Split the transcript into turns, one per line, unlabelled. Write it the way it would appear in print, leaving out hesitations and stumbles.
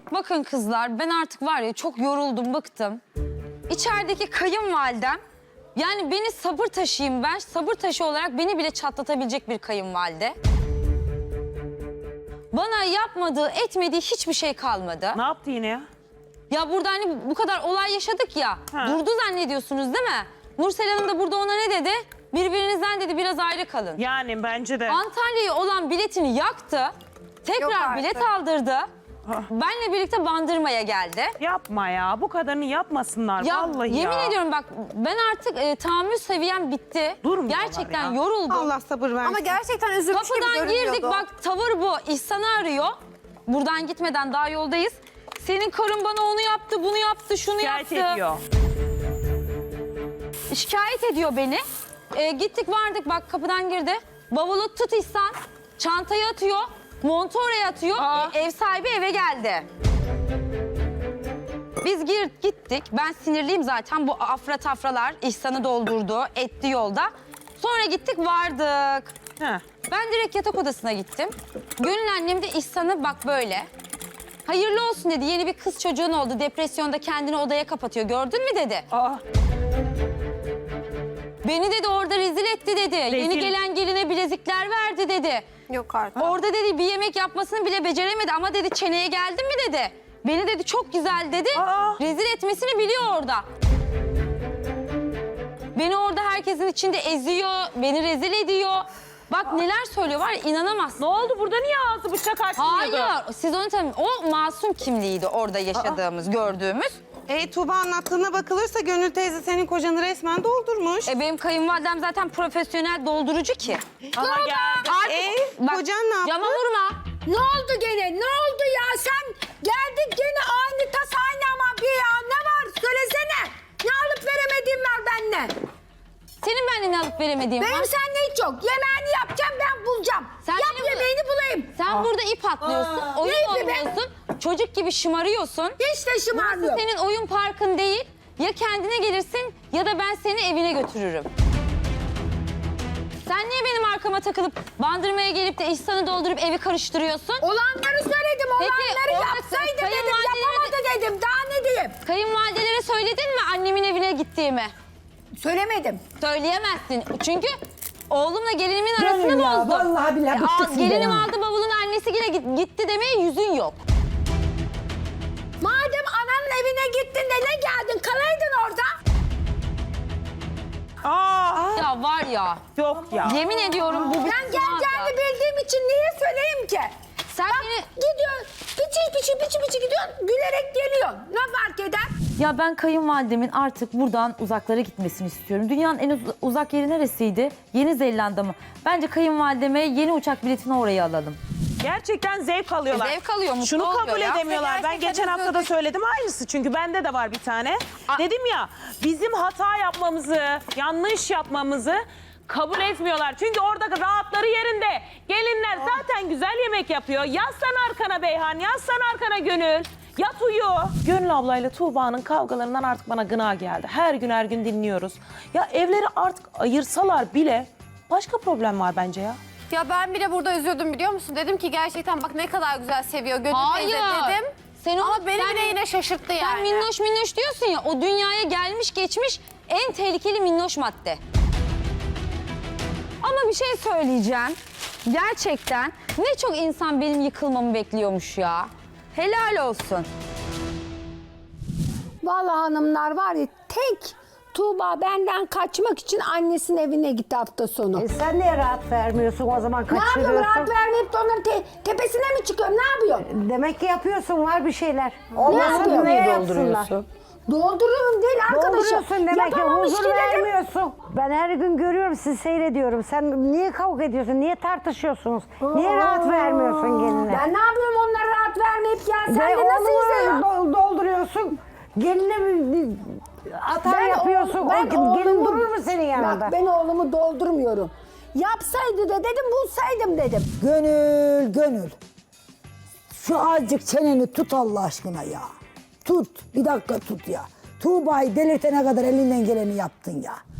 Bakın kızlar, ben artık var ya çok yoruldum, bıktım. İçerideki kayınvalidem, yani beni sabır taşıyım ben. Sabır taşı olarak beni bile çatlatabilecek bir kayınvalide. Bana yapmadığı, etmediği hiçbir şey kalmadı.
Ne yaptı yine ya?
Ya burada hani bu kadar olay yaşadık ya,
Ha.
durdu zannediyorsunuz değil mi? Nursel Hanım da burada ona ne dedi? Birbirinizden dedi biraz ayrı kalın.
Yani bence de.
Antalya'ya olan biletini yaktı. Tekrar bilet aldırdı. Benle birlikte Bandırma'ya geldi.
Yapma ya. Bu kadarını yapmasınlar.
Ya
Vallahi
yemin
ya.
ediyorum bak, ben artık tahammül seviyem bitti.
Durmuyorlar
Gerçekten
ya.
yoruldum.
Allah sabır versin.
Ama gerçekten üzülmüş gibi
Kapıdan girdik,
görünüyordu.
bak tavır bu. İhsan'ı arıyor. Buradan gitmeden daha yoldayız. Senin karın bana onu yaptı, bunu yaptı, şunu
Şikayet
yaptı.
ediyor.
Şikayet ediyor beni. Gittik vardık, bak kapıdan girdi. Bavulu tut İhsan. Çantayı atıyor. Montu oraya atıyor. Ev sahibi eve geldi. Biz gittik. Ben sinirliyim zaten. Bu afra tafralar İhsan'ı doldurdu. Etti yolda. Sonra gittik vardık.
Heh.
Ben direkt yatak odasına gittim. Gönül annem de İhsan'ı bak böyle. Hayırlı olsun dedi. Yeni bir kız çocuğun oldu. Depresyonda kendini odaya kapatıyor. Gördün mü dedi.
Aa,
Beni dedi orada rezil etti dedi. Yeni gelen geline bilezikler verdi dedi.
Yok artık.
Orada dedi bir yemek yapmasını bile beceremedi ama dedi çeneye geldin mi dedi. Beni dedi çok güzel dedi. Rezil etmesini biliyor orada. Beni orada herkesin içinde eziyor, beni rezil ediyor. Bak neler söylüyor var ya, inanamazsın.
ne oldu? Burada niye ağzı bıçak açmıyordu?
Hayır, siz onu tabii, o masum kimliğiydi orada yaşadığımız, gördüğümüz.
Tuğba anlattığına bakılırsa Gönül teyze senin kocanı resmen doldurmuş.
Benim kayınvalidem zaten profesyonel doldurucu ki.
Aha geldi.
Bak,
Kocan ne yaptı?
cama vurma.
Ne oldu gene? Ne oldu ya? Sen geldin gene aynı tas aynı ama bir ya. Ne var? Söylesene. Ne alıp veremediğin var benimle.
Senin benden ne alıp veremediğin
Benim
var.
seninle hiç yok. Yemeğini yapacağım ben bulacağım.
Sen
Yap
beni bul-
yemeğini bulayım.
Sen burada ip atlıyorsun, oyun
ne ipi be?
oynuyorsun, çocuk gibi şımarıyorsun.
Hiç de
Burası
şımarmıyorum.
senin oyun parkın değil. Ya kendine gelirsin ya da ben seni evine götürürüm. Sen niye benim arkama takılıp Bandırma'ya gelip de İhsan'ı doldurup evi karıştırıyorsun?
Olanları söyledim.
Peki,
Olanları
orada
yapsaydı dedim.
kayınvalideleri-
Yapamadı dedim. Daha ne diyeyim?
Kayınvalidelere söyledin mi annemin evine gittiğimi?
Söylemedim.
Söyleyemezsin. Çünkü oğlumla gelinimin arasını
Gönül ya,
bozdun.
vallahi billahi bıktık sizden
Gelinim
ha.
aldı bavulunu, annesi yine gitti demeye yüzün yok.
Madem ananın evine gittin de ne geldin? Kalaydın orada.
Aa,
Ya var ya,
yok ya.
yemin ediyorum bu bir
Ben geleceğini bildiğim için niye söyleyeyim ki?
Sen
Bak
beni...
gidiyor, biçi gidiyorsun, gülerek geliyorsun. Ne fark eder?
Ya ben kayınvalidemin artık buradan uzaklara gitmesini istiyorum. Dünyanın en uzak yeri neresiydi? Yeni Zelanda mı? Bence kayınvalideme yeni uçak biletini oraya alalım.
Gerçekten zevk alıyorlar.
Zevk alıyor, mutlu
Şunu
oluyor
kabul
ya.
edemiyorlar. Ben geçen hafta da söyledim aynısı. Çünkü bende de var bir tane. Dedim ya bizim hata yapmamızı, yanlış yapmamızı kabul etmiyorlar. Çünkü orada rahatları yerinde. Gelinler zaten güzel yemek yapıyor. Yaslan arkana Beyhan, yaslan arkana Gönül. Yat uyu. Gönül ablayla Tuğba'nın kavgalarından artık bana gına geldi. Her gün dinliyoruz. Ya evleri artık ayırsalar bile başka problem var bence ya.
Ya ben bile burada üzüldüm biliyor musun? Dedim ki gerçekten bak ne kadar güzel seviyor Gönül
Hayır.
teyze dedim.
Sen
Ama beni
sen-
bile yine şaşırttı
Sen
yani.
minnoş minnoş diyorsun ya, o dünyaya gelmiş geçmiş en tehlikeli minnoş madde. Ama bir şey söyleyeceğim. Gerçekten ne çok insan benim yıkılmamı bekliyormuş ya. Helal olsun.
Vallahi hanımlar var ya tek Tuğba benden kaçmak için annesinin evine gitti hafta sonu.
Sen niye rahat vermiyorsun o zaman
Ne yapıyorum
kaçırıyorsun?
rahat vermeyip de onların tepesine mi çıkıyorum? Ne yapıyorum?
Demek ki yapıyorsun var bir şeyler.
Ne
Olmasın
yapıyorsun?
neye yapsınlar?
Doldururum değil arkadaşım.
Dolduruyorsun demek ki
Yapamamış
huzur
ki dedim.
vermiyorsun. Ben her gün görüyorum sizi seyrediyorum. Sen niye kavga ediyorsun? Niye tartışıyorsunuz? Niye rahat vermiyorsun geline?
Ben ne yapıyorum onlara rahat vermeyip ya? Sen
Ve
de nasıl izliyorsun?
dolduruyorsun. Geline hata yapıyorsun. Gelin durur mu senin yanında?
Bak ben oğlumu doldurmuyorum. Yapsaydı da dedim bulsaydım dedim.
Gönül. Şu azıcık çeneni tut Allah aşkına ya. Tut. Bir dakika tut ya. Tuğba'yı delirtene kadar elinden geleni yaptın ya.